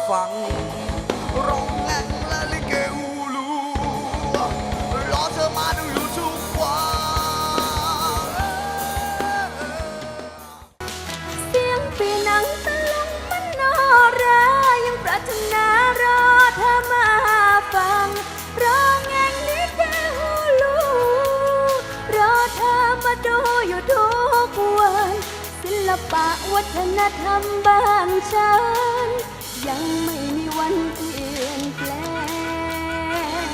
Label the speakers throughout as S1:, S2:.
S1: ฟังร้องแรงและลิเกอูลูรอเธอมาดูอยู่ทุกวัน
S2: เสียงปีนังตะลุงมันนอรายังปรารถนารอเธอมาฟังร้องแงงลิเกฮูลูรอเธอมาดูอยู่ทุกวันศิลปะวัฒนธรรมบ้านฉันยังไม่มีวันเปลี่ยนแปลง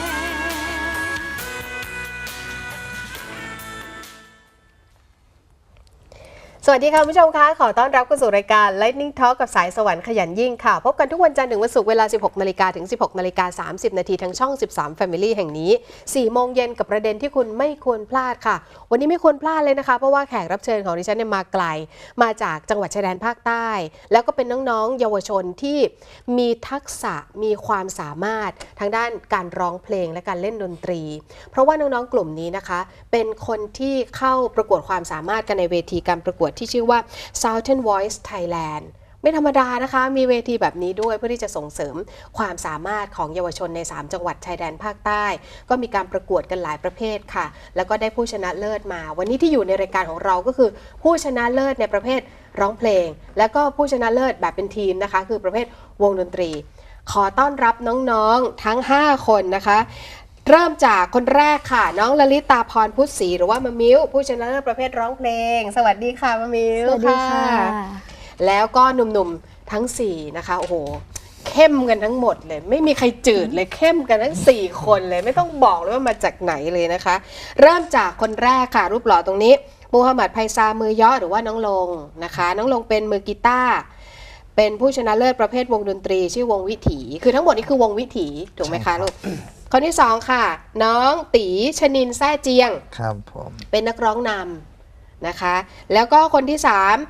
S3: สวัสดีค่ะคุณผู้ชมคะขอต้อนรับเข้าสู่รายการ Lightning Talk กับสายสวรรค์ขยันยิ่งค่ะพบกันทุกวันจันทร์ถึงวันศุกร์เวลา 16 นาฬิกาถึง 16 นาฬิกา 30 นาทีทางช่อง 13 Family แห่งนี้ 4 โมงเย็นกับประเด็นที่คุณไม่ควรพลาดค่ะวันนี้ไม่ควรพลาดเลยนะคะเพราะว่าแขกรับเชิญของดิฉันเนี่ยมาไกลมาจากจังหวัดชายแดนภาคใต้แล้วก็เป็นน้องๆเยาวชนที่มีทักษะมีความสามารถทางด้านการร้องเพลงและการเล่นดนตรีเพราะว่าน้องๆกลุ่มนี้นะคะเป็นคนที่เข้าประกวดความสามารถกันในเวทีการประกวดที่ชื่อว่า Southern Voice Thailand ไม่ธรรมดานะคะมีเวทีแบบนี้ด้วยเพื่อที่จะส่งเสริมความสามารถของเยาวชนใน3จังหวัดชายแดนภาคใต้ก็มีการประกวดกันหลายประเภทค่ะแล้วก็ได้ผู้ชนะเลิศมาวันนี้ที่อยู่ในรายการของเราก็คือผู้ชนะเลิศในประเภทร้องเพลงแล้วก็ผู้ชนะเลิศแบบเป็นทีมนะคะคือประเภทวงดนตรีขอต้อนรับน้องๆทั้ง5คนนะคะเริ่มจากคนแรกค่ะน้องลลิตาพรพุทธศรีหรือว่ามะมิ้วผู้ชนะเลิศประเภทร้องเพลงสวัสดีค่ะมะมิ้ว
S2: สวัสดีค่ะ
S3: แล้วก็หนุ่มๆทั้ง4นะคะโอ้โหเข้มกันทั้งหมดเลยไม่มีใครจืดเลยเข้มกันทั้ง4คนเลยไม่ต้องบอกเลยว่ามาจากไหนเลยนะคะเริ่มจากคนแรกค่ะรูปหล่อตรงนี้มูฮัมหมัดไพซามือเยาะหรือว่าน้องลงนะคะน้องลงเป็นมือกีตาร์เป็นผู้ชนะเลิศประเภทวงดนตรีชื่อวงวิถีคือทั้งหมดนี้คือวงวิถีถูกไหมคะลูกคนที่2ค่ะน้องตีชนินแซ่เจียง
S1: ครับผม
S3: เป็นนักร้องนำนะคะแล้วก็คนที่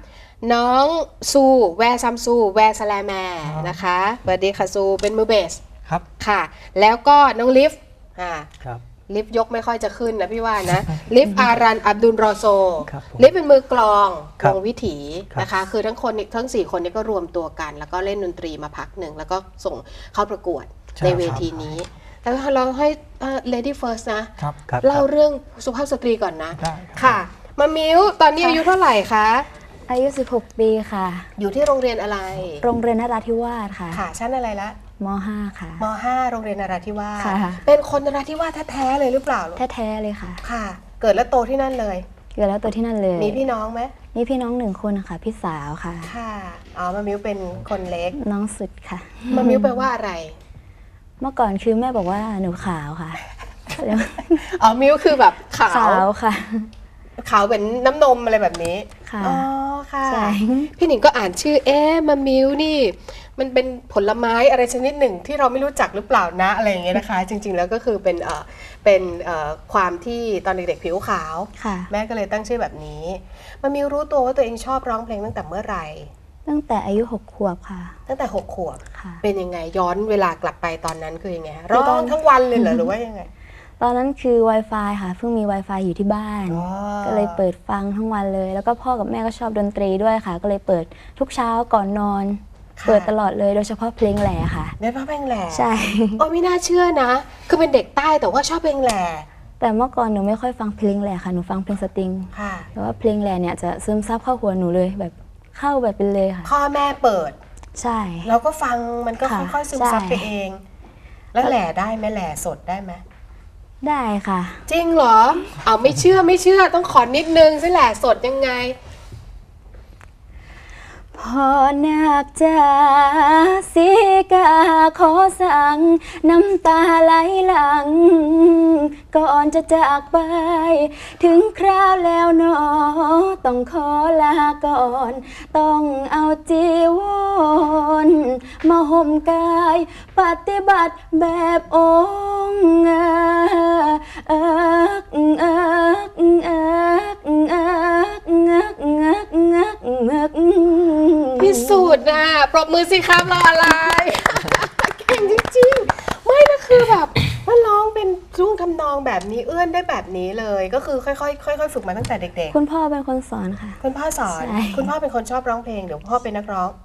S3: 3น้องซูแวร์ซัมซูแวร์สแลแมร์นะคะสวัสดีค่ะซูเป็นมือเบส
S4: ครับ
S3: ค่ะแล้วก็น้องลิฟ
S4: ครับ
S3: ลิฟยกไม่ค่อยจะขึ้นนะพี่ว่านะ ลิฟอารันอับดุลรอโซ
S4: ครับผม
S3: ลิฟเป็นมือกลอง
S4: ครั
S3: ว
S4: บ
S3: งวิถีนะคะคือทั้ง4คนนี้ก็รวมตัวกัน แล้วก็เล่นดนตรีมาพักหนึ่งแล้วก็ส่งเข้าประกวดในเวทีนี้แต่เราให้ lady first นะครับ เล่าเรื่องสุภาพสตรีก่อนนะ
S4: ได้ครับ
S3: ค่ะมะมิ้วตอนนี้อายุเท่าไหร่คะ
S2: อายุ 16 ปีค่ะ
S3: อยู่ที่โรงเรียนอะไร
S2: โรงเรียนนราธิวาสค่ะ
S3: ค่ะชั้นอะไรละ
S2: ม .5 ค่ะ
S3: ม .5 โรงเรียนนราธิวาส
S2: ค่ะ
S3: เป็นคนนราธิวาสแท้ๆเลยหรือเปล่าลูก
S2: แท้ๆเลยค่ะ
S3: ค่ะ เกิดและโตที่นั่นเลย
S2: เกิดแล้วตัวที่นั่นเลย
S3: มีพี่น้องไหม
S2: มีพี่น้อง1 คนค่ะ พี่สาวค่ะ
S3: ค่ะอ๋อมะมิ้วเป็นคนเล็ก
S2: น้องสุดค่ะ
S3: มะมิ้วแปลว่าอะไร
S2: เมื่อก่อนคือแม่บอกว่าหนูขาวค่ะแล้ว
S3: อ๋อมิ้วคือแบบขาว
S2: ขาวค่ะ
S3: ขาวเป็นน้ำนมอะไรแบบนี้
S2: ค่ะ
S3: อ๋อค่ะ
S2: ใช่
S3: พี่หนิงก็อ่านชื่อมะมิ้วนี่มันเป็นผลไม้อะไรชนิดหนึ่งที่เราไม่รู้จักหรือเปล่านะอะไรอย่างเงี้ยนะคะ จริงๆแล้วก็คือเป็นความที่ตอนเด็กๆผิวขาว
S2: ค่ะ
S3: แม่ก็เลยตั้งชื่อแบบนี้มะมิ้วรู้ตัวว่าตัวเองชอบร้องเพลงตั้งแต่เมื่อไหร่
S2: ตั้งแต่อายุ6 ขวบค่ะ
S3: ตั้งแต่6 ขวบ
S2: ค่ะ
S3: เป็นยังไงย้อนเวลากลับไปตอนนั้นคือยังไงฮะ
S2: คือต
S3: ร้
S2: อ
S3: อน งทั้งวันเลยเหรอหรือว่ายังไง
S2: ตอนนั้นคือ Wi-Fi ค่ะเพิ่งมี Wi-Fi อยู่ที่บ้าน
S3: อ๋อ
S2: ก็เลยเปิดฟังทั้งวันเลย แล้วก็พ่อกับแม่ก็ชอบดนตรีด้วยค่ะ ก็เลยเปิดทุกเช้าก่อนนอน เปิดตลอดเลยโดยเฉพาะเพลงแหล่ค่ะ
S3: เล่นเพลงแหล่
S2: ใช่
S3: โอ้ไม่น่าเชื่อนะ คือเป็นเด็กใต้แต่ว่าชอบเพลงแหล่
S2: แต่เมื่อก่อนหนูไม่ค่อยฟังเพลงแหล่ค่ะหนูฟังเพลงสตริง
S3: ค่ะ
S2: แต่ว่าเพลงแหล่เนี่ยจะซึมซับเข้าหัวหนูเลยแบบเข้าแบบเป็นเลยค่ะ
S3: พ่อแม่เปิด
S2: ใช่
S3: เราก็ฟังมันก็
S2: ค่ะ
S3: ค่อยๆซึมซับ
S2: ใช่
S3: ไปเอง แล้วแหล่ได้ไหมแหล่สดได้ไหม
S2: ได้ค่ะ
S3: จริงเหรอเอาไม่เชื่อต้องขอนิดนึงสิแหล่สดยังไง
S2: พอนักจ๋าสิกาขอสั่งน้ำตาไหลหลัง ก่อนจะจากไป ถึงคราวแล้วหนอต้องขอลาก่อน ต้องเอาจีวรมาห่มกาย ปฏิบัติแบบองค์
S3: พิสูจน์นะปรบมือสิครับรออะไร เก่งจริงๆ ไม่นะคือแบบว่าร้องเป็นรุ่งทำนองแบบนี้เอื้อนได้แบบนี้เลย ก็คือค่อยๆฝึกมาตั้งแต่เด็ก
S2: คุณพ่อเป็นคนสอนค่ะ
S3: ๆ คุณพ่อสอน
S2: ใช่
S3: คุณพ่อเป็นคนชอบร้องเพลงเดี๋ยวพ่อเป็นนักร้อง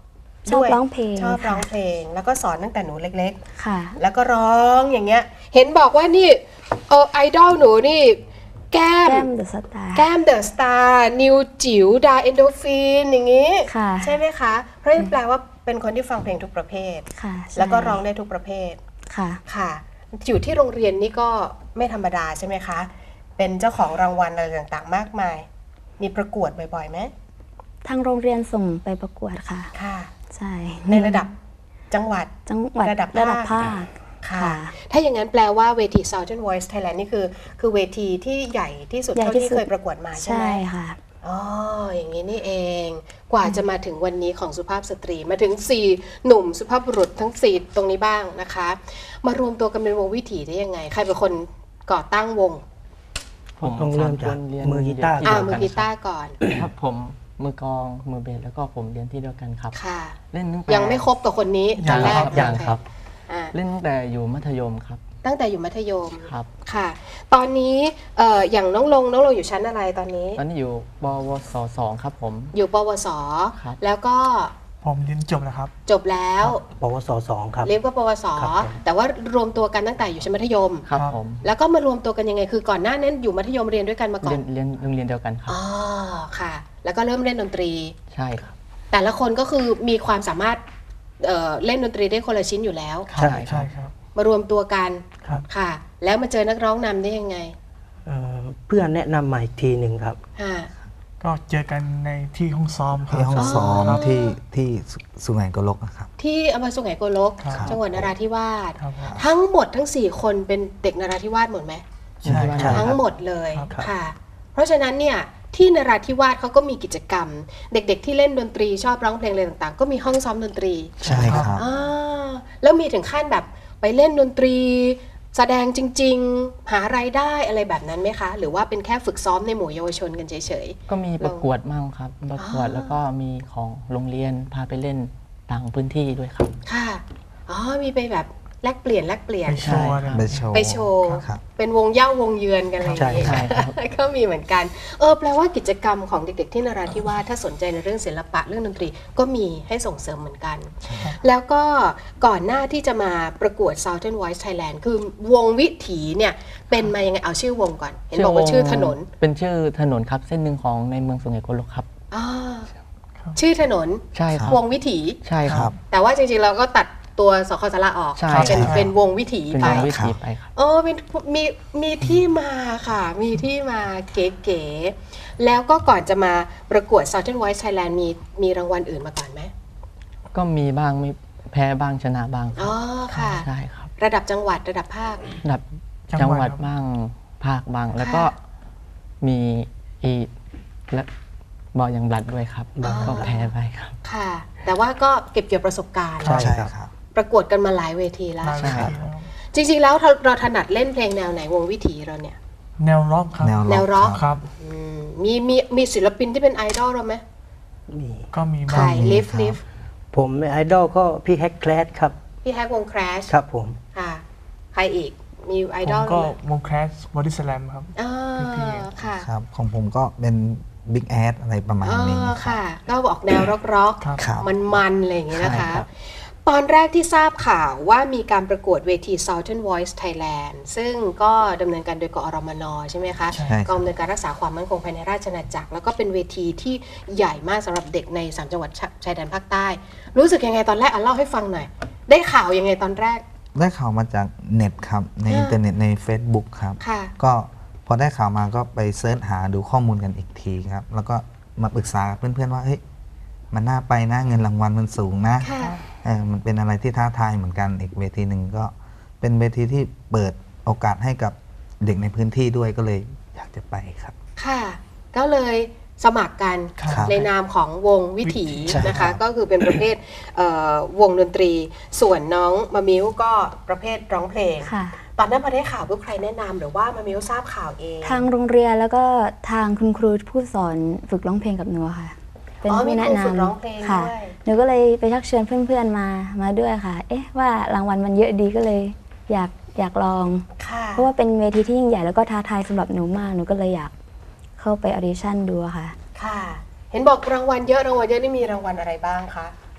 S2: ชอบ
S3: ด้วย
S2: ร้องเพลง
S3: ชอบร้องเพลง แล้วก็สอนตั้งแต่หนูเล็ก
S2: ค่ะ
S3: ๆ แล้วก็ร้องอย่างเงี้ยเห็นบอกว่านี่ไอดอลหนูนี่แก้ม
S2: แก้มเดอะสตาร์
S3: แก้มเดอะสตาร์นิวจิ๋วดาเอนโดฟินอย่างงี้
S2: ค่ะ
S3: ใช่ไหมคะ เพราะนี่แปลว่าเป็นคนที่ฟังเพลงทุกประเภท
S2: ค่ะใช่
S3: แล้วก็ร้องได้ทุกประเภท
S2: ค่ะ
S3: ค่ะ อยู่ที่โรงเรียนนี่ก็ไม่ธรรมดาใช่ไหมคะ เป็นเจ้าของรางวัลอะไรต่างๆ มากมาย มีประกวดบ่อยๆไหม
S2: ทางโรงเรียนส่งไปประกวดค่ะ
S3: ค่ะ
S2: ใช่
S3: ในระดับจังหวัด
S2: จังหวัด
S3: ระดับ
S2: ภาค
S3: ค่ะ
S2: ค่ะ
S3: ถ้าอย่างนั้นแปลว่าเวที Southern Voice Thailand นี่คือเวทีที่ใหญ่ที่สุด
S2: ใหญ่
S3: เท่า
S2: ที่
S3: ที่
S2: สุด
S3: เคยประกวดมาใช่ไหม
S2: ใช่ค่ะ
S3: อ๋อ อย่างนี้นี่เอง กว่าจะมาถึงวันนี้ของสุภาพสตรี มาถึง 4 หนุ่มสุภาพบุรุษทั้ง 4 ตรงนี้บ้างนะคะ มารวมตัวกันเป็นวงวิถีได้ยังไง ใครเป็นคนก่อตั้งวง
S4: ผมต้องเริ่มจากมือกีตาร์
S3: มือกีตาร์ก่อน
S4: ครับผมมือกลองมือเบสแล้วก็ผมเรียนที่เดียวกันครับ
S3: ค่ะ
S4: เล่นตั้งแต่
S3: ยังไม่ครบกับคนนี้ตอนแรก
S4: ยังครับ
S3: อ่า
S4: เล่นตั้งแต่อยู่มัธยมครับ
S3: ตั้งแต่อยู่มัธยม
S4: ครับ
S3: ค่ะ ตอนนี้อย่างน้องลงอยู่ชั้นอะไรตอนนี้
S4: ตอนนี้อยู่ปวส2ครับผม
S3: อยู่ปวส
S4: ครับ
S3: แล้วก็
S5: ผมเรียนจบแล้วครับ
S3: จบแล้ว
S5: ปวส2ครับ
S3: เรียนก็ปวส
S5: ครับผม
S3: แต่ว่ารวมตัวกันตั้งแต่อยู่ชั้นมัธยม
S4: ครับ
S5: ครับ
S4: ผม
S3: แล้วก็มารวมตัวกันยังไง คือก่อนหน้านั้นอยู่มัธยมเรียนด้วยกันมาก่อ
S4: เรีย
S3: น
S4: นเรียนโรงเรียนเดียวกันครับ
S3: อ๋อค่ะ แล้วก็เริ่มเล่นดนตรี
S4: ใช่ครับ
S3: แต่ละคนก็คือมีความสามารถเล่นดนตรีได้คนละชิ้นอยู่แล้ว
S5: ใช่ครับ
S3: มารวมตัวกัน
S5: ครับ
S3: ค่ะ แล้วมาเจอนักร้องนำได้ยังไง
S5: เพื่อนแนะนำมาอีกทีหนึ่งครับ
S3: ค่ะ
S5: ก็เจอกันในที่ห้องซ้อมครับ
S6: ที่ห้องซ้อม
S5: ครับ
S6: ที่สุไหงโกลกนะครับ
S3: ที่อำเภอสุไหงโกลก
S5: ครับ
S3: จังหวัดนราธิวาส
S5: ครับ
S3: ทั้งหมดทั้ง 4 คนเป็นเด็กนราธิวาสหมดไหม
S5: ใช่ครับ
S3: ทั้งหมดเลย
S5: ครับ
S3: ค่ะ เพราะฉะนั้นเนี่ยที่นราธิวาสเขาก็มีกิจกรรม เด็กๆที่เล่นดนตรีชอบร้องเพลงอะไรต่างๆ ก็มีห้องซ้อมดนตรี
S6: ใช่ครับ
S3: อ่าแล้วมีถึงขั้นแบบไปเล่นดนตรี แสดงจริงๆ หารายได้อะไรแบบนั้นไหมคะ หรือว่าเป็นแค่ฝึกซ้อมในหมู่เยาวชนกันเฉย
S4: ก็มีประกวดมั่งครับ ประกวดแล้วก็มีของโรงเรียนพาไปเล่นต่างพื้นที่ด้วยครับ
S3: ๆ ค่ะ อ๋อ มีไปแบบแลกเปลี่ยน
S5: ไปโชว์นะ
S6: ไปโชว์
S3: ไปโชว์
S6: ครับ
S3: เป็นวงเย่าวงเยือนกันอะไรอย่างเงี้ย
S4: ใช่ครับ
S3: ก็มีเหมือนกัน แปลว่ากิจกรรมของเด็กๆที่นราธิวาสถ้าสนใจในเรื่องศิลปะเรื่องดนตรีก็มีให้ส่งเสริมเหมือนกัน แล้วก็ก่อนหน้าที่จะมาประกวด Southern Voice Thailand คือวงวิถีเนี่ยเป็นมายังไง เอาชื่อวงก่อน เห็นบอกว่าชื่อถนน
S4: เป็นชื่อถนนครับเส้นหนึ่งของในเมืองสุไหงโกลกครับ
S3: อ่าชื่อถนน
S4: ใช่ครับ
S3: วงวิถี
S4: ใช่ครับ
S3: แต่ว่าจริงๆเราก็ตัดตัวสคสระออก
S4: ใช่
S3: เป็น
S4: ครับ
S3: เป็นวงวิถี
S4: เป็น
S3: ไป
S4: วงวิถีไปครับ
S3: เป็นมีที่มาค่ะ มีที่มาเก๋ๆ แล้วก็ก่อนจะมาประกวด Southern Voice Thailand มีรางวัลอื่นมาก่อนไหม
S4: ก็มีบ้างไม่แพ้บ้างชนะบ้างค
S3: อ๋
S4: รั
S3: อบ ค่ะ
S4: ใช่ครับ
S3: ระดับจังหวัดระดับภาค
S4: ระดับจังหวัดบ้างภาคบ้าง แล้วก็มีอีและบอลยังบลัดด้วยครับ
S3: อ๋อ
S4: ก็แพ้ไปครับ
S3: ค่ะ แต่ว่าก็เก็บเกี่ยวประสบการณ์
S5: ใช่
S6: ใช่ครับ
S3: ประกวดกันมาหลายเวทีแล้ว
S5: มา
S4: ใช่
S5: เลย
S4: ครับ
S3: จริงๆแล้วเราถนัดเล่นเพลงแนวไหนวงวิถีเราเนี่ย
S5: แนวร็อกครับ
S3: แนวร็อก
S5: ครับ
S3: อืมมีศิลปินที่เป็นไอดอลเราไหม
S7: มี
S5: ก็มี
S3: ใคร
S5: บ้าง
S3: ลิฟ
S6: ครับ
S3: ลิฟ
S7: ผมไอดอลก็พี่แฮกแคลสครับ
S3: พี่แฮกวง Crash
S7: ครับผม
S3: ค่ะ ใครอีก มีไอ
S5: ผ
S3: ดอ
S5: ม
S3: ล
S5: ก็
S3: ไหม
S5: วงแคสบอดี้สแลมครับ
S3: อ่า
S5: พี่
S3: ค่ะ
S6: ครับ ของผมก็เป็นบิ๊กแอดอะไรประมาณนี้ครับ
S3: ค่ะ ก็ออกแนวร็อก
S5: ครับ
S6: ครับ
S3: มันๆอะไรอย่างเงี้ยนะคะ
S6: ใช่ครับ
S3: ตอนแรกที่ทราบข่าวว่ามีการประกวดเวที Southern Voice Thailand ซึ่งก็ดำเนินการโดยกอรมนใช่ไหมคะ
S6: ใช่ครับ
S3: กองอำนวยการรักษาความมั่นคงภายในราชอาณาจักร แล้วก็เป็นเวทีที่ใหญ่มากสำหรับเด็กใน3จังหวัดชายแดนภาคใต้ รู้สึกยังไงตอนแรกเล่าให้ฟังหน่อย ได้ข่าวยังไงตอนแรก
S6: ได้ข่าวมาจากเน็ตครับ ในอินเทอร์เน็ตใน Facebook ครับ
S3: ค่ะ
S6: ก็พอได้ข่าวมาก็ไปเซิร์ชหาดูข้อมูลกันอีกทีครับ แล้วก็มาปรึกษากับเพื่อนๆว่าเฮ้ยมันน่าไปนะเงินรางวัลมันสูงนะ
S3: ค่ะ
S6: มันเป็นอะไรที่ท้าทายเหมือนกันอีกเวทีหนึ่งก็เป็นเวทีที่เปิดโอกาสให้กับเด็กในพื้นที่ด้วยก็เลยอยากจะไปครับ
S3: ค่ะ ก็เลยสมัครกัน
S6: ครับ
S3: ในนามของวงวิถี
S6: ใช่
S3: นะ
S6: ครั
S3: คะ
S6: บ
S3: ก็คือเป็นประเภทวงดนตรี ส่วนน้องมะมิ้วก็ประเภทร้องเพลง
S2: ค่ะ
S3: ตอนนั้นพอได้ข่าวปุ๊บใครแนะนำหรือว่ามะมิ้วทราบข่าวเอง
S2: ทางโรงเรียนแล้วก็ทางคุณครูผู้สอนฝึกร้องเพลงกับหนูค่ะ เป็น
S3: อ๋อ
S2: ผู้
S3: มี
S2: แนะ
S3: ครู
S2: น
S3: ฝึกร้องเพลง
S2: ำค่ะ
S3: ด้วย
S2: หนูก็เลยไปชักเชิญเพื่อนๆมาด้วยค่ะ เอ๊ะว่ารางวัลมันเยอะดีก็เลยอยากลอง
S3: ค่ะ
S2: เพราะว่าเป็นเวทีที่ยิ่งใหญ่แล้วก็ท้าทายสำหรับหนูมากหนูก็เลยอยากเข้าไปออดิชั่นดูอะค่ะ
S3: ค่ะ เห็นบอกรางวัลเยอะนี่มีรางวัลอะไรบ้างคะ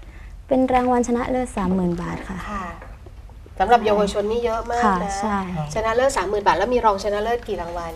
S2: เป็นรางวัลชนะเลิศ 30,000 บาทค่ะ
S3: ค่ะสำหรับเยาวชนนี่เยอะมาก
S2: ค่ะ
S3: นะ
S2: ใช่
S3: ชนะเลิศ 30,000 บาท แล้วมีรองชนะเลิศกี่รางวัล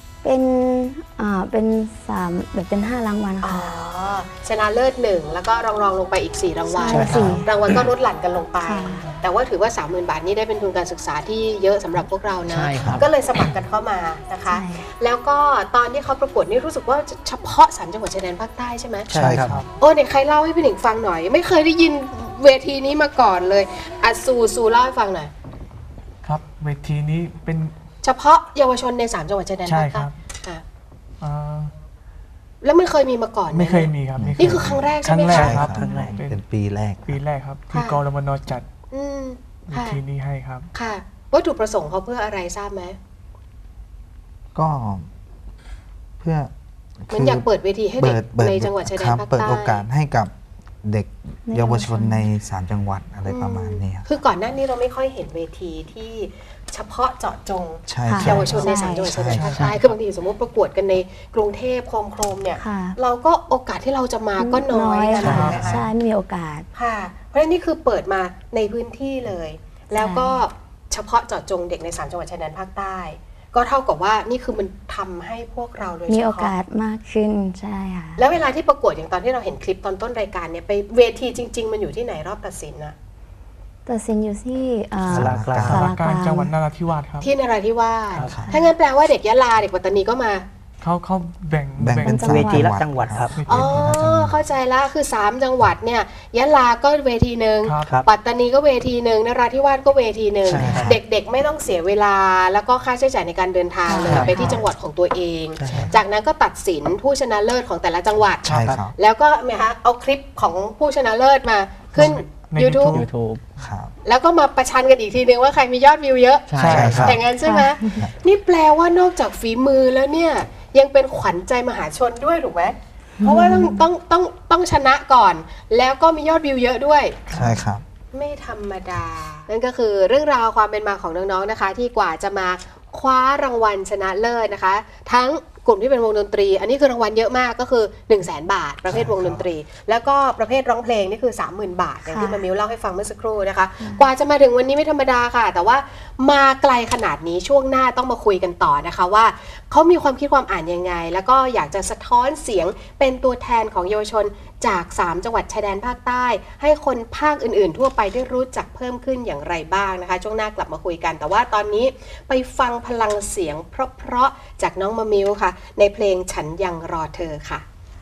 S2: เป็น3แบบเป็น5รางวัล
S3: อ๋อ
S2: ค่ะ
S3: ชนะเลิศ1แล้วก็รองลงไปอีก4รางวัล
S2: ใช่สี่
S3: รางวัลก็ลดหลั่นกันลงไป
S2: ค่ะ
S3: แต่ว่าถือว่า 30,000 บาทนี่ได้เป็นทุนการศึกษาที่เยอะสำหรับพวกเรานะ
S4: ใช่ครับ
S3: ก็เลยสมัครกันเข้ามานะคะ
S2: ใช่
S3: แล้วก็ตอนที่เขาประกวดนี่รู้สึกว่าเฉพาะ3จังหวัดชายแดนภาคใต้ใช่ไหม
S6: ใช่ครับ
S3: โอ้เนี่ยใครเล่าให้พี่หนิงฟังหน่อย ไม่เคยได้ยินเวทีนี้มาก่อนเลยอ่ะซูเล่าให้ฟังหน่อย
S5: ครับเวทีนี้เป็น
S3: เฉพาะเยาวชนใน3จังหวัดชายแดน
S5: ใช่
S3: ภาค
S5: ค
S3: ใต้
S5: รับ
S3: อ่ะ
S5: อ่า
S3: แล้วมันเคยมีมาก่อนห
S5: ไม่เคยมีครับ
S3: นี่คือครั้งแรก
S5: ค
S3: ใช่
S5: รั้
S3: ไหม
S5: งแร
S3: คะ
S5: กครับ
S6: ครั้งแรก
S5: เป็น
S6: เป็นปีแรก
S5: ปีแรกครับที่
S3: ค่ะ
S5: กรมนจัด
S3: อืม
S5: เว
S3: ค่ะ
S5: ทีนี้ให้ครับ
S3: ค่ะวัตถุประสงค์เขาเพื่ออะไรทราบไหม
S6: ก็เพื่อ
S3: เหมันอยากเปิดเวทีให้เด็ก
S6: ปิ
S3: ในจังหวัดชายแด
S6: คน รับ
S3: ภาค
S6: เปิด
S3: ใต้
S6: โอกาสให้กับเด็ก
S2: ใน
S6: เยาวชนใน3จังหวัดอะไรประมาณนี้ครับ
S3: คือก่อนหน้านี้เราไม่ค่อยเห็นเวทีที่เฉพาะเจาะจง
S6: ใช่
S2: ค่ะ
S6: ใช่
S3: เยาวชนใน
S2: ใช่
S3: 3จังหวัดชายแดนภาค
S6: ใช่
S3: ใต้คือบางทีสมมติประกวดกันในกรุงเทพโครมๆเนี่ย
S2: ค่ะ
S3: เราก็โอกาสที่เราจะมาก็น้อยกัน
S2: ค่ะ
S3: นะคะ
S2: ใช่ไม่มีโอกาส
S3: ค่ะ เพราะฉะนั้นนี่คือเปิดมาในพื้นที่เลย แล้วก็เฉพาะเจาะจงเด็กใน3จังหวัดชายแดนภาคใต้ ก็เท่ากับว่านี่คือมันทำให้พวกเราโดยเฉ
S2: มีโอ
S3: พาะ
S2: กาสมากขึ้นใช่ค่ะ
S3: แล้วเวลาที่ประกวดอย่างตอนที่เราเห็นคลิปตอนต้นรายการเนี่ยไปเวทีจริง ๆ มันอยู่ที่ไหนรอบตัดสินอะ
S2: ตัดสินอยู่ที่
S7: ศาลากลาง
S2: ศาลา
S5: การ
S2: กลาง
S5: จังหวัดนราธิวาสครับ
S3: ที่นราธิวาส
S6: ครับ
S3: ถ้างั้นแปลว่าเด็กยะลาเด็กปัตตานีก็มา
S5: เขาแบ่ง
S6: แบ่งเป็น
S2: จังหวัด
S7: เวทีละจังหวัดครับ
S3: อ๋อ เข้าใจละคือ 3 จังหวัดเนี่ยยะลาก็เวทีหนึ่ง
S5: ครับ
S7: ครับ
S3: ปัตตานีก็เวทีหนึ่งนราธิวาสก็เวทีหนึ่ง
S6: ใช่ครับ
S3: เด็กๆไม่ต้องเสียเวลาแล้วก็ค่าใช้จ่ายในการเดินทางเลย
S6: ครับ
S3: ไปที่จังหวัดของตัวเอง
S6: ใช่ครับ
S3: จากนั้นก็ตัดสินผู้ชนะเลิศของแต่ละจังหวัด
S6: ใช่ครับ
S3: แล้วก็เอาคลิปของผู้ชนะเลิศมาขึ้น
S5: ใน
S3: YouTube
S4: YouTube
S6: ครับ
S3: แล้วก็มาประชันกันอีกทีนึงว่าใครมียอดวิวเยอะ
S4: ใช่
S6: ใช่ครับ
S3: อย่างนั้นใช่ไหมนี่แปลว่านอกจากฝีมือแล้วเนี่ยยังเป็นขวัญใจมหาชนด้วยถูกไหมเพราะว่าต้องชนะก่อน แล้วก็มียอดวิวเยอะด้วย
S6: ใช่ครับ
S3: ไม่ธรรมดา นั่นก็คือเรื่องราวความเป็นมาของน้องๆนะคะ ที่กว่าจะมาคว้ารางวัลชนะเลิศนะคะ ทั้งกลุ่มที่เป็นวงดนตรี อันนี้คือรางวัลเยอะมากก็คือ 100,000 บาท ประเภทวงดนตรี แล้วก็ประเภทร้องเพลงนี่คือ 30,000 บาทอย่างที่
S2: ค่ะ
S3: มามิวเล่าให้ฟังเมื่อสักครู่นะคะ กว่าจะมาถึงวันนี้ไม่ธรรมดาค่ะ แต่ว่ามาไกลขนาดนี้ช่วงหน้าต้องมาคุยกันต่อนะคะว่าเขามีความคิดความอ่านยังไง แล้วก็อยากจะสะท้อนเสียงเป็นตัวแทนของเยาวชนจาก 3 จังหวัดชายแดนภาคใต้ ให้คนภาคอื่นๆ ทั่วไปได้รู้จักเพิ่มขึ้นอย่างไรบ้างนะคะ ช่วงหน้ากลับมาคุยกัน แต่ว่าตอนนี้ไปฟังพลังเสียงเพราะๆจากน้องมะมิวค่ะ ในเพลงฉันยังรอเธอค่ะ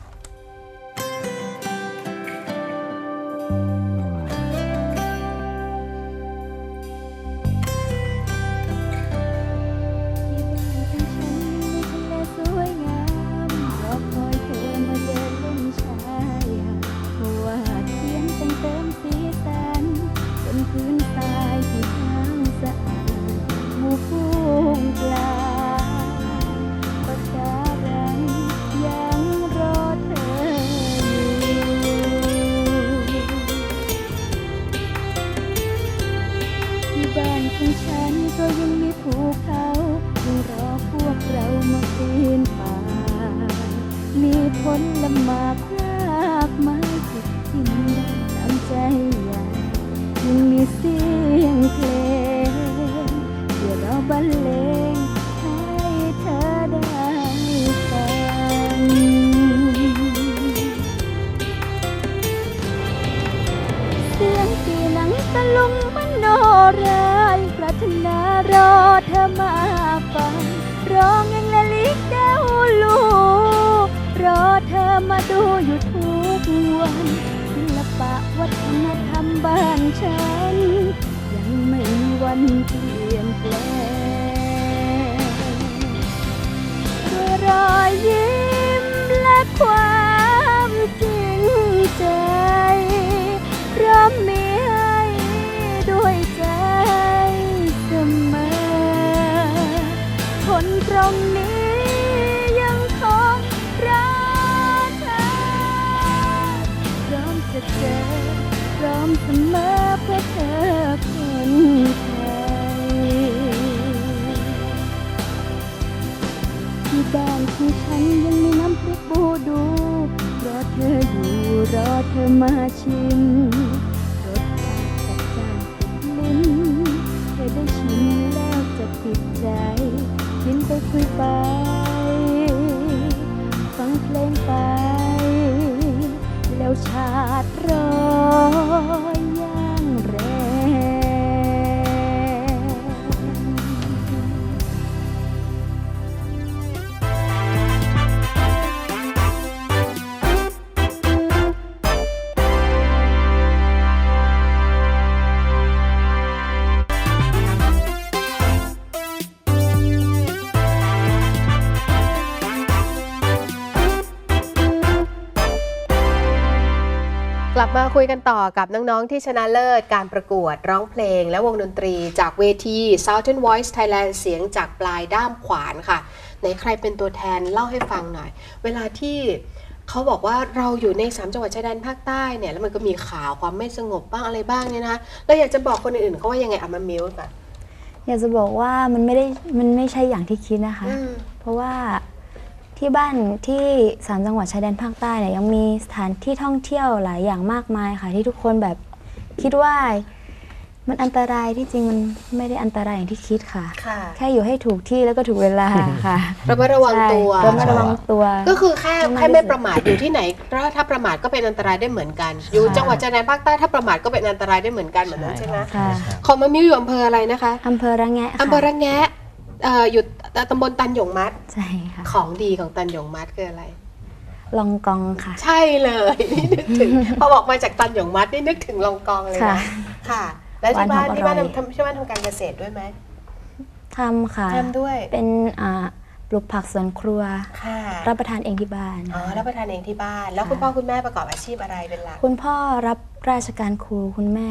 S2: สวยงามรอคอยเธอมาเดินเล่นชายหาดเพราะว่าเขียนเติมสีสันบนพื้นทรายที่ทางสะอาดหมู่ฟูงปลาปะการังยังรอเธออยู่ที่บ้านของฉันก็ยังมีภูเขายังรอพวกเรามาปีนป่ามีผลหมากรากไม้ที่กินได้ตามใจอยากยังมีเสียงเพลงที่เราบรรเลงให้เธอได้ฟังเสียงปีหนังตะลุงมโนราปรารถนารอเธอมาฟังร้องยังละลิกแก้วลูรอเธอมาดูอยู่ทุกวันศิลปะวัฒนธรรมบ้านฉันยังไม่มีวันเปลี่ยนแปลงด้วยรอยยิ้มและความจริงใจพร้อมมีให้ด้วยใจเสมอคนตรงนี้ยังคงรักเธอพร้อมจะเจอพร้อมเสมอเพื่อเธอคนไทยที่บ้านของฉันยังมีน้ำพริกบูดูรอเธออยู่รอเธอมาชิมจิตใจกินไปคุยไป ฟังเพลงไป แล้วชาติรอยอย่างแรง
S3: กลับมาคุยกันต่อกับน้อง ๆ ที่ชนะเลิศการประกวดร้องเพลงและวงดนตรีจากเวที Southern Voice Thailand เสียงจากปลายด้ามขวานค่ะไหนใครเป็นตัวแทนเล่าให้ฟังหน่อย เวลาที่เขาบอกว่าเราอยู่ใน3จังหวัดชายแดนภาคใต้เนี่ยแล้วมันก็มีข่าวความไม่สงบบ้างอะไรบ้างเนี่ยนะเราอยากจะบอกคนอื่นๆเขาว่ายังไงเอามามิวส์ก่อน
S8: อยากจะบอกว่ามันไม่ใช่อย่างที่คิดนะคะ เพราะว่าที่บ้านที่3จังหวัดชายแดนภาคใต้เนี่ยยังมีสถานที่ท่องเที่ยวหลายอย่างมากมายค่ะ ที่ทุกคนแบบคิดว่ามันอันตรายที่จริงมันไม่ได้อันตรายอย่างที่คิดค่ะ
S3: ค่ะ
S8: แค่อยู่ให้ถูกที่แล้วก็ถูกเวลาค่ะ
S3: ระมัดระวังตัว
S8: ใช่ระมัดระวังตัว
S3: ก็คือแค่ไม่ประมาทอยู่ที่ไหนถ้าประมาทก็เป็นอันตรายได้เหมือนกัน อยู่จังหวัดชายแดนภาคใต้ถ้าประมาทก็เป็นอันตรายได้เหมือนกันเหมือนนั้นใช่ไหม
S8: ค่ะ
S3: ของมามิวอยู่อำเภออะไรนะคะ
S8: อำเภอระแงะค่ะ
S3: อำเภอระแงะอยู่ตำบลตันหยงมัด
S8: ใช่ค่ะ
S3: ของดีของตันหยงมัดคืออะไร
S8: ลองกองค่ะ
S3: ใช่เลยนี่นึกถึง พอบอกมาจากตันหยงมัดนี่นึกถึงลองกองเลย
S8: ค่ะ
S3: นะค่ะ แล้วที่บ้าน
S8: หวานหอม
S3: ที่บ้าน
S8: อร่อย
S3: ที่บ้านทำการเกษตรด้วยไหม
S8: ทำค่ะ
S3: ทำด้วย
S8: เป็นปลูกผักสวนครัว
S3: ค่ะ
S8: รับประทานเองที่บ้าน
S3: อ๋อรับประทานเองที่บ้าน แล้วคุณพ่อคุณแม่ประกอบอาชีพอะไรเป็นหลัก
S8: คุณพ่อรับราชการครูคุณแม่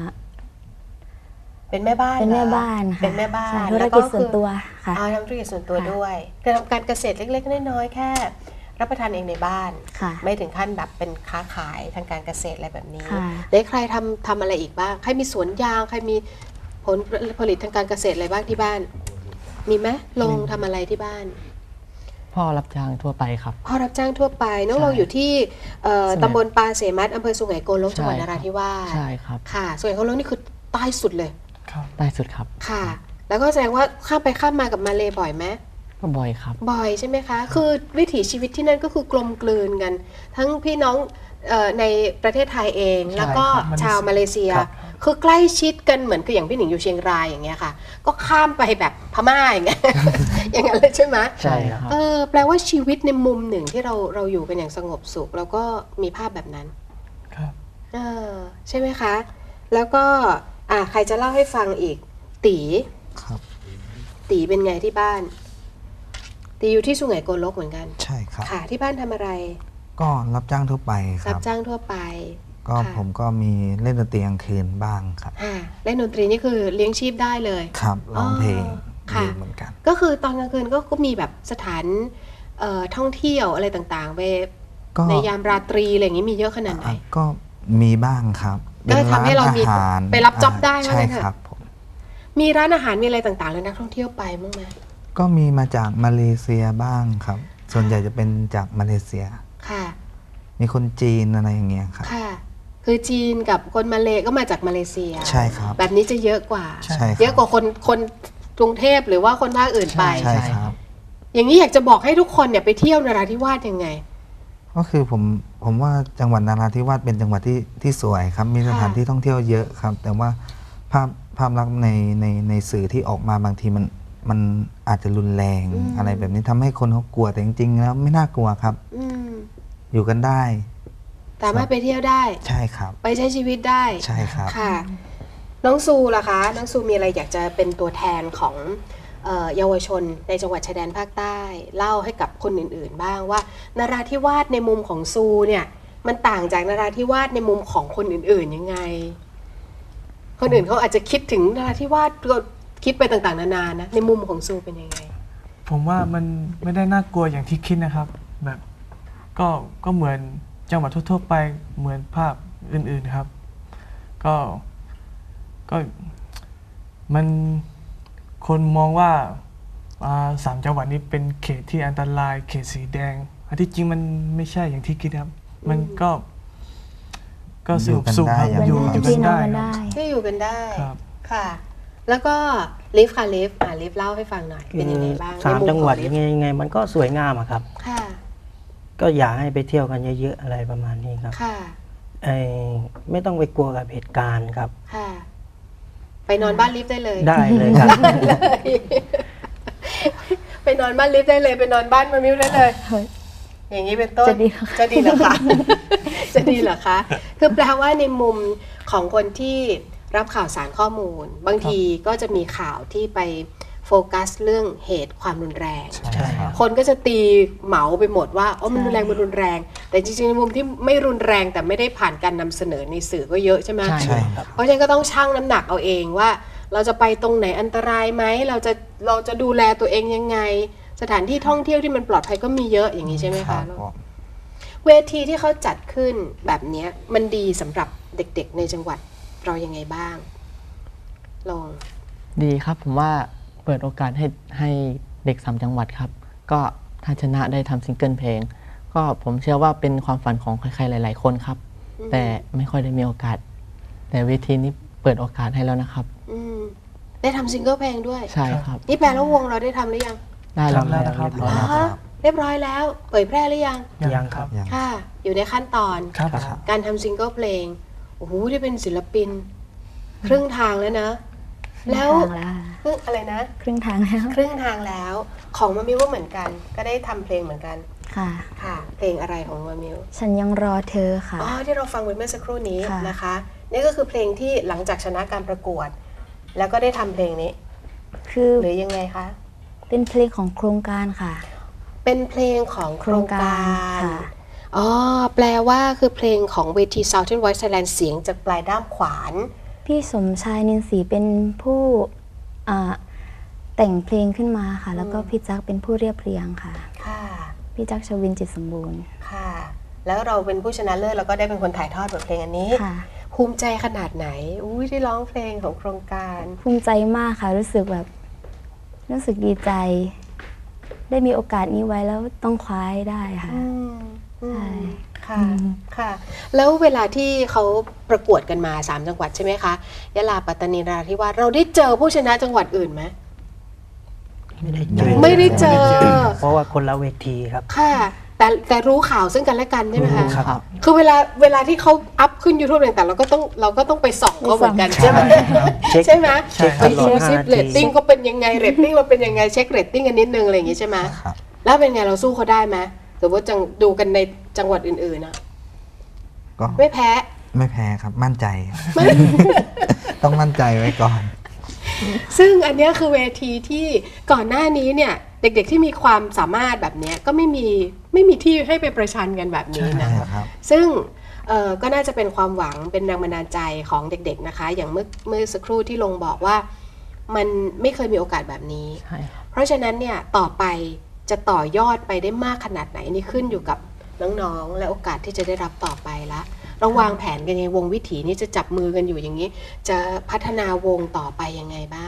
S3: เป็นแม่บ้าน
S8: เป็นแม่
S3: หรอ
S8: บ้านค่ะ
S3: เป็นแม่บ้าน
S8: ใช่ธุรกิจส่วนตัวค่ะ
S3: อ๋อทำธุรกิจส่วนตัว
S8: ค่ะ
S3: ด้วยคือทำการเกษตรเล็กๆน้อยๆแค่ รับประทานเองในบ้าน
S8: ค่ะ
S3: ไม่ถึงขั้นแบบเป็นค้าขายทางการเกษตรอะไรแบบนี้
S8: ค่ะ
S3: ได้ใครทำอะไรอีกบ้างใครมีสวนยางใครมีผลผลิตทางการเกษตรอะไรบ้างที่บ้าน มีไหมลงทำอะไรที่บ้าน
S4: พ่อรับจ้างทั่วไปครับ
S3: พ่อรับจ้างทั่วไปน้อง
S4: ใช่
S3: ลงอยู่ที่
S4: สุไหง
S3: ตำบลปาเสมัดอำเภอสุไหงโกลกจังหวัดนราธิวาส
S4: ใช่ครับ
S3: ค่ะสุไหงโกลกนี่คือใต้สุดเลย
S5: ครับ
S4: ใต้สุดครับ
S3: ค่ะ แล้วก็แสดงว่าข้ามไปข้ามมากับมาเลบ่อยไหม
S4: ก็บ่อยครับ
S3: บ่อยใช่ไหมคะ คือวิถีชีวิตที่นั่นก็คือกลมกลืนกัน ทั้งพี่น้องในประเทศไทยเอง
S4: ใช่
S3: แล้วก็
S5: ครับ
S3: ชาวมาเลเซีย
S5: ครับ
S3: คือใกล้ชิดกันเหมือนคืออย่างพี่หนิงอยู่เชียงรายอย่างเงี้ยค่ะ ก็ข้ามไปแบบพม่าอย่างเงี้ย อย่างนั้นเลยใช่ไหม
S4: ใช่ครับ
S3: แปลว่าชีวิตในมุมหนึ่งที่เราอยู่กันอย่างสงบสุข แล้วก็มีภาพแบบนั้น
S5: ครับ
S3: ใช่ไหมคะ แล้วก็ใครจะเล่าให้ฟังอีก ตี
S6: ครับ
S3: ตีเป็นไงที่บ้าน ตีอยู่ที่สุไหงโกลกเหมือนกัน
S6: ใช่ครับ
S3: ค่ะ ที่บ้านทำอะไร
S6: ก็รับจ้างทั่วไปค
S3: รั
S6: รั
S3: บบ จ้างทั่วไป
S6: ก็
S3: ค่ะ
S6: ผมก็มีเล่นดนตรีกลางคืนบ้างครับ
S3: เล่นดนตรีนี่คือเลี้ยงชีพได้เลย
S6: ครับร้องเพลง
S3: ค่ะ
S6: อยู่เหมือนกัน
S3: ก็คือตอนกลางคืนก็มีแบบสถานท่องเที่ยวอะไรต่างๆไป
S6: ก็
S3: ในยามราตรีอะไรอย่างนี้มีเยอะขนาดไหน
S6: ก็มีบ้างครับ
S3: ก็ทำให้เรามี
S6: ป็นนอาหาร
S3: ไปรับจ็อบได้ว่า
S6: ใช่
S3: งั้นเถอะ
S6: ครับผม
S3: มีร้านอาหารมีอะไรต่างๆแล้วนักท่องเที่ยวไปมั้างไหม
S6: ก็มีมาจากมาเลเซียบ้างครับ ส่วนใหญ่จะเป็นจากมาเลเซีย
S3: ค่ะ
S6: มีคนจีนอะไรอย่างเงี้ยครับ
S3: ค่ะ คือจีนกับคนมาเลก็มาจากมาเลเซีย
S6: ใช่ครับ
S3: แบบนี้จะเยอะกว่า
S6: ใช่ครับ
S3: เยอะกว่าคนกรุงเทพหรือว่าคนภาคอื่นไป
S6: ใช่ครับ
S3: อย่างนี้อยากจะบอกให้ทุกคนเนี่ยไปเที่ยวนราธิวาสยังไง
S6: ก็คือผมว่าจังหวัดนราธิวาสเป็นจังหวัดที่สวยครับ มีสถานที่ท่องเที่ยวเยอะครับ แต่ว่าภาพลักษณ์ในสื่อที่ออกมาบางทีมันอาจจะรุนแรง อะไรแบบนี้ทำให้คนเขากลัวแต่จริงๆแล้วไม่น่ากลัวครับ
S3: อืม
S6: อยู่กันได้
S3: สามารถไปเที่ยวได้
S6: ใช่ครับ
S3: ไปใช้ชีวิตได้
S6: ใช่ครับ
S3: ค่ะ น้องซูล่ะคะ น้องซูมีอะไรอยากจะเป็นตัวแทนของเยาวชนในจังหวัดชายแดนภาคใต้ เล่าให้กับคนอื่นๆ บ้างว่านราธิวาสในมุมของซูเนี่ย มันต่างจากนราธิวาสในมุมของคนอื่นๆยังไง คนอื่นเขาอาจจะคิดถึงนราธิวาสก็คิดไปต่างๆนานานะในมุมของซูเป็นยังไง
S5: ผมว่ามันไม่ได้น่ากลัวอย่างที่คิดนะครับ แบบก็เหมือนจังหวัดทั่วๆไปเหมือนภาพอื่นๆครับ ก็มันคนมองว่า3 จังหวัดนี้เป็นเขตที่อันตรายเขตสีแดงอันที่จริงมันไม่ใช่อย่างที่คิดครับ มันก็สงบสุขครับ
S6: อยู่
S5: อยู่
S6: กันได้
S5: กันได้
S8: พี่น้องกันได้
S3: ที่อยู่กันได้
S5: ครับ
S3: ค่ะแล้วก็ลิฟค่ะลิฟลิฟเล่าให้ฟังหน่อยเป็นยังไงบ้าง
S7: สาม
S3: ในมุ
S7: จังหวัด
S3: ของลิฟ
S7: ยังไงมันก็สวยงามอะครับ
S3: ค่ะ
S7: ก็อยากให้ไปเที่ยวกันเยอะๆอะไรประมาณนี้ครับ
S3: ค่ะ
S7: ไม่ต้องไปกลัวกับเหตุการณ์ครับ
S3: ค่ะ ไปนอนบ้านลิฟได้เลย
S7: ได้เลยครับ
S3: ไปนอนบ้านลิฟได้เลยไปนอนบ้านมามิวได้เลย
S8: เฮ้ย
S3: อย่างนี้เป็นต้น
S8: จะดีเหรอคะ
S3: จะดีเหรอคะ จะดีเหรอคะ คือแปลว่าในมุมของคนที่รับข่าวสารข้อมูล บางทีก็จะมีข่าวที่ไปโฟกัสเรื่องเหตุความรุนแรง
S6: ใช่ครับ
S3: คนก็จะตีเหมาไปหมดว่าอ๋อมันรุนแรงมันรุนแรง แต่จริงๆในมุมที่ไม่รุนแรงแต่ไม่ได้ผ่านการนำเสนอในสื่อก็เยอะใช่ไหม
S4: ใช่
S6: ใช่ครับ
S3: เพราะฉะนั้นก็ต้องชั่งน้ำหนักเอาเองว่า เราจะไปตรงไหนอันตรายไหมเราจะดูแลตัวเองยังไง สถานที่ท่องเที่ยวที่มันปลอดภัยก็มีเยอะอย่างนี้ใช่ไหม
S6: ครั
S3: คะ
S6: บผม
S3: เวทีที่เขาจัดขึ้นแบบเนี้ยมันดีสำหรับเด็กๆในจังหวัดเรายังไงบ้าง ลอง
S4: ดีครับผมว่าเปิดโอกาสให้เด็ก3จังหวัดครับ ก็ถ้าชนะได้ทำซิงเกิลเพลง ก็ผมเชื่อว่าเป็นความฝันของใครๆหลาย ๆ คนครับ แต่ไม่ค่อยได้มีโอกาส แต่เวทีนี้เปิดโอกาสให้แล้วนะครับ
S3: อืมได้ทำซิงเกิลเพลงด้วย
S4: ใช่ครับ
S3: นี่แปลว่าวงเราได้ทำหรือยัง
S4: ได้แล้ว
S5: ทำแล้วนะครับ
S4: เรียบร้อยแล้ว
S3: ฮะเรียบร้อยแล้ว เผยแพร่หรือยัง
S7: ยังครับ
S6: ยัง
S3: ค่ะ อยู่ในขั้นตอน
S5: ครับ
S3: การทำซิงเกิลเพลง โอ้โหได้เป็นศิลปิน ครึ่งทางแล้วนะ แล้ว
S8: ครึ่งทางแล้ว
S3: ครึ่งอะไรนะ
S8: ครึ่งทางแล้ว
S3: ครึ่งทางแล้ว ของมามิวก็เหมือนกัน ก็ได้ทำเพลงเหมือนกัน
S8: ค่ะ
S3: ค่ะ เพลงอะไรของมามิว
S8: ฉันยังรอเธอค่ะ
S3: อ๋อที่เราฟังไปเมื่อสักครู่นี้
S8: ค่ะ
S3: นะคะ นี่ก็คือเพลงที่หลังจากชนะการประกวด แล้วก็ได้ทำเพลงนี้
S8: คือ
S3: หรือยังไงคะ
S8: เป็นเพลงของโครงการค่ะ
S3: เป็นเพลงของโครงการ
S8: โครงการค่ะ
S3: อ๋อแปลว่าคือเพลงของเวที Southern Voice Thailand เสียงจากปลายด้ามขวาน
S8: พี่สมชายนินศรีเป็นผู้แต่งเพลงขึ้นมาค่ะ แล้วก็พี่จักเป็นผู้เรียบเรียงค่ะ
S3: ค่ะ
S8: พี่จักชวินจิตสมบูรณ์
S3: ค่ะ แล้วเราเป็นผู้ชนะเลิศแล้วก็ได้เป็นคนถ่ายทอดบทเพลงอันนี้
S8: ค่ะ
S3: ภูมิใจขนาดไหน อุ้ยได้ร้องเพลงของโครงการ
S8: ภูมิใจมากค่ะ รู้สึกดีใจ ได้มีโอกาสนี้ไว้แล้วต้องคว้าให้ได้ค่ะ ใช่
S3: ค่ะ ค่ะ แล้วเวลาที่เขาประกวดกันมา3จังหวัดใช่ไหมคะ ยะลา ปัตตานี นราธิวาส เราได้เจอผู้ชนะจังหวัดอื่นไหม
S7: ไม่ได้เจอ
S3: ไม่ได้เจอ
S7: เพราะว่าคนละเวทีครับ
S3: ค่ะ แต่รู้ข่าวซึ่งกันและกันใช่ไหมคะ
S7: ครับ
S3: คือเวลาที่เขาอัพขึ้น YouTube ต่างๆเราก็ต้องไปส่องเขาเหมือนกัน
S8: ใช่
S3: ใช่ไหม
S7: เช็ค
S3: ใช่ไหม
S7: เช็ค
S3: ไป
S7: ตลอ
S3: ดู
S7: ด
S3: ซิ
S7: 5
S3: เร
S7: นา
S3: ต
S7: ที
S3: ติ้งเขาเป็นยังไงเรตติ้งเราเป็นยังไงเช็คเรตติ้งกันนิดนึงอะไรอย่างงี้ใช่ไหม
S6: ครับ
S3: แล้วเป็นไงเราสู้เขาได้ไหมหรือว่าจังดูกันในจังหวัดอื่นๆนะ
S6: ก็
S3: ไม่แพ้
S6: ไม่แพ้ครับ มั่นใจ ต้องมั่นใจไว้ก่อน
S3: ซึ่งอันเนี้ยคือเวทีที่ก่อนหน้านี้เนี่ยเด็กๆที่มีความสามารถแบบเนี้ยก็ไม่มีที่ให้ไปประชันกันแบบนี้นะ
S6: ใช่ครับ
S3: ซึ่งก็น่าจะเป็นความหวังเป็นแรงบันดาลใจของเด็กๆนะคะ อย่างเมื่อสักครู่ที่ลงบอกว่ามันไม่เคยมีโอกาสแบบนี้
S4: ใช่ครับ
S3: เพราะฉะนั้นเนี่ยต่อไปจะต่อยอดไปได้มากขนาดไหนนี่ขึ้นอยู่กับน้องๆและโอกาสที่จะได้รับต่อไปละเราวางแผนกันยังไงวงวิถีนี่จะจับมือกันอยู่อย่างนี้ จะพัฒนาวงต่อไปยังไงบ้าง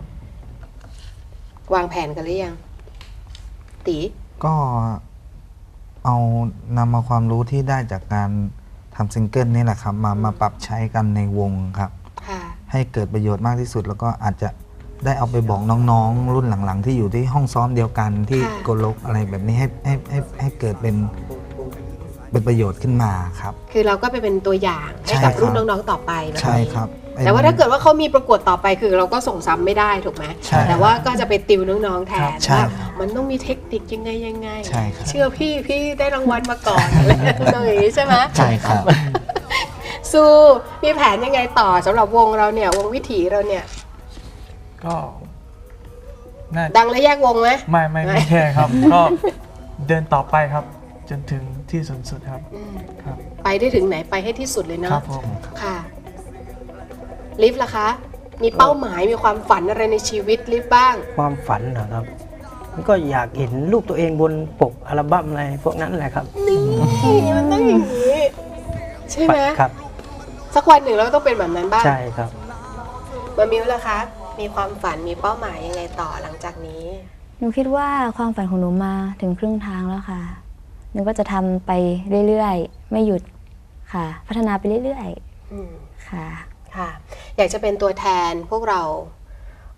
S3: วางแผนกันหรือยังตี
S6: ก็เอานำมาความรู้ที่ได้จากการทำซิงเกิลนี่แหละครับ มาปรับใช้กันในวงครับ
S3: ค่ะ
S6: ให้เกิดประโยชน์มากที่สุด แล้วก็อาจจะได้เอาไปบอกน้องๆ รุ่นหลังๆ ที่อยู่ที่ห้องซ้อมเดียวกันที่
S3: ค่ะ
S6: โกลกอะไรแบบนี้ให้เกิดเป็นประโยชน์ขึ้นมาครับ
S3: คือเราก็ไปเป็นตัวอย่างให้
S6: ใช่
S3: กับ
S6: ครับ
S3: รุ่นน้องๆต่อไปแบบ
S6: ใช่
S3: นี้
S6: ครับ
S3: แต่ว่าถ้าเกิดว่าเขามีประกวดต่อไปคือเราก็ส่งซ้ำไม่ได้ถูกไหม
S6: ใช่
S3: แต่ว่าก็จะไปติวน้องๆแทน
S6: ใช่
S3: ว่า
S6: ครับ
S3: มันต้องมีเทคนิคยังไง
S6: ใช่ครับ
S3: เชื่อพี่ได้รางวัลมาก่อนอะไรอย่างนี้ใช่ไหม
S4: ใช่ครับ
S3: สู้มีแผนยังไงต่อสำหรับวงเราเนี่ยวงวิถีเราเนี่ย
S5: ก็น่า
S3: ดังและแยกวงไหม
S5: ไม่แค่ครับ ก็เดินต่อไปครับ จนถึงที่สุดสุดครับ
S3: อืม
S5: ครับ
S3: ไปได้ถึงไหนไปให้ที่สุดเลย
S5: ครั
S3: เนาะ
S5: บผม
S3: ค่ะลิฟล่ะคะ มีเป้าหมายมีความฝันอะไรในชีวิตลิฟบ้าง
S7: ความฝันนะครับมันก็อยากเห็นรูปตัวเองบนปกอัลบั้มอะไรพวกนั้นแหละครับ
S3: นี่มันต้องอย่างนี้ใช่ไหม
S7: ครับ
S3: สักวันหนึ่งเราก็ต้องเป็นแบบนั้นบ้าง
S7: ใช่ครับ
S3: มามิวล่ะคะ มีความฝันมีเป้าหมายยังไงต่อหลังจากนี้
S8: หนูคิดว่าความฝันของหนูมาถึงครึ่งทางแล้วค่ะ หนูก็จะทำไปเรื่อยๆ ไม่หยุดค่ะ พัฒนาไปเรื่อย
S3: อืม
S8: ๆ ค่ะ
S3: ค่ะ อยากจะเป็นตัวแทนพวกเรา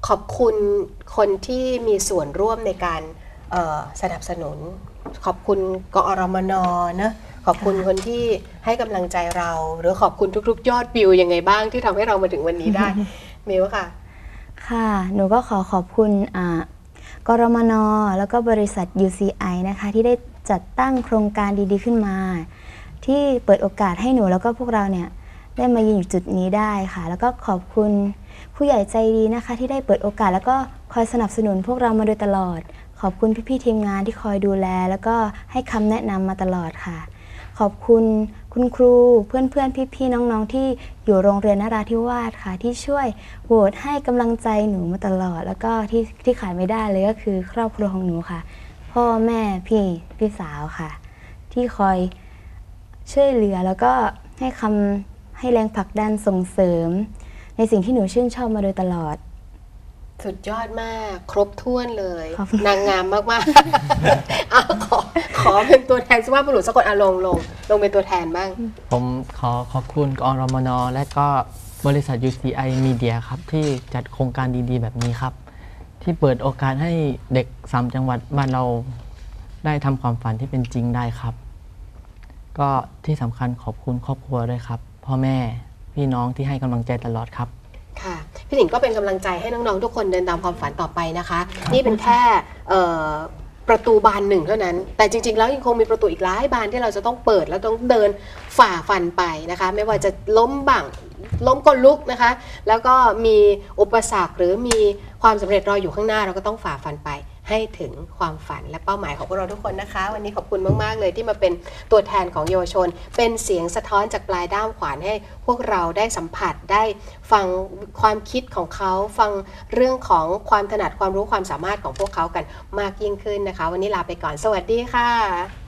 S3: ขอบคุณคนที่มีส่วนร่วมในการสนับสนุน ขอบคุณกอรมนนะขอบคุณคนที่ให้กำลังใจเรา หรือขอบคุณทุกๆ ยอดวิวยังไงบ้างที่ทำให้เรามาถึงวันนี้ได้ มิวค่ะ
S8: ค่ะหนูก็ขอบคุณกรมนแล้วก็บริษัท UCI นะคะที่ได้จัดตั้งโครงการดีๆขึ้นมา ที่เปิดโอกาสให้หนูแล้วก็พวกเราเนี่ยได้มายืนอยู่จุดนี้ได้ค่ะแล้วก็ขอบคุณผู้ใหญ่ใจดีนะคะที่ได้เปิดโอกาสแล้วก็คอยสนับสนุนพวกเรามาโดยตลอดขอบคุณพี่ๆทีมงานที่คอยดูแลแล้วก็ให้คำแนะนำมาตลอดค่ะขอบคุณคุณครูเพื่อนๆพี่ๆน้องๆที่อยู่โรงเรียนนราธิวาสค่ะที่ช่วยโหวตให้กำลังใจหนูมาตลอดแล้วก็ที่ขาดไม่ได้เลยก็คือครอบครัวของหนูค่ะพ่อแม่พี่สาวค่ะที่คอยช่วยเหลือแล้วก็ให้แรงผลักดันส่งเสริมในสิ่งที่หนูชื่นชอบมาโดยตลอด
S3: สุดยอดมากครบถ้วนเลย
S8: ขอบคุณ
S3: นางงามมากๆ ขอเป็นตัวแทนสุภาพบุรุษสักคนลงเป็นตัวแทนบ้าง
S4: ผมขอบคุณกอรมนและก็บริษัท UCI Media ครับที่จัดโครงการดีๆแบบนี้ครับ ที่เปิดโอกาสให้เด็ก3จังหวัดบ้านเราได้ทำความฝันที่เป็นจริงได้ครับ ก็ที่สำคัญขอบคุณครอบครัวด้วยครับพ่อแม่พี่น้องที่ให้กำลังใจตลอดครับ
S3: ค่ะพี่หนิงก็เป็นกำลังใจให้น้องๆทุกคนเดินตามความฝันต่อไปนะคะนี่เป็นแค่ประตูบานหนึ่งเท่านั้นแต่จริงๆแล้วยังคงมีประตูอีกหลายบานที่เราจะต้องเปิดแล้วต้องเดินฝ่าฟันไปนะคะไม่ว่าจะล้มบ้างล้มก็ลุกนะคะแล้วก็มีอุปสรรคหรือมีความสำเร็จรออยู่ข้างหน้าเราก็ต้องฝ่าฟันไปให้ถึงความฝันและเป้าหมายของพวกเราทุกคนนะคะวันนี้ขอบคุณมากๆเลยที่มาเป็นตัวแทนของเยาวชนเป็นเสียงสะท้อนจากปลายด้ามขวานให้พวกเราได้สัมผัสได้ฟังความคิดของเขาฟังเรื่องของความถนัดความรู้ความสามารถของพวกเขากันมากยิ่งขึ้นนะคะวันนี้ลาไปก่อนสวัสดีค่ะ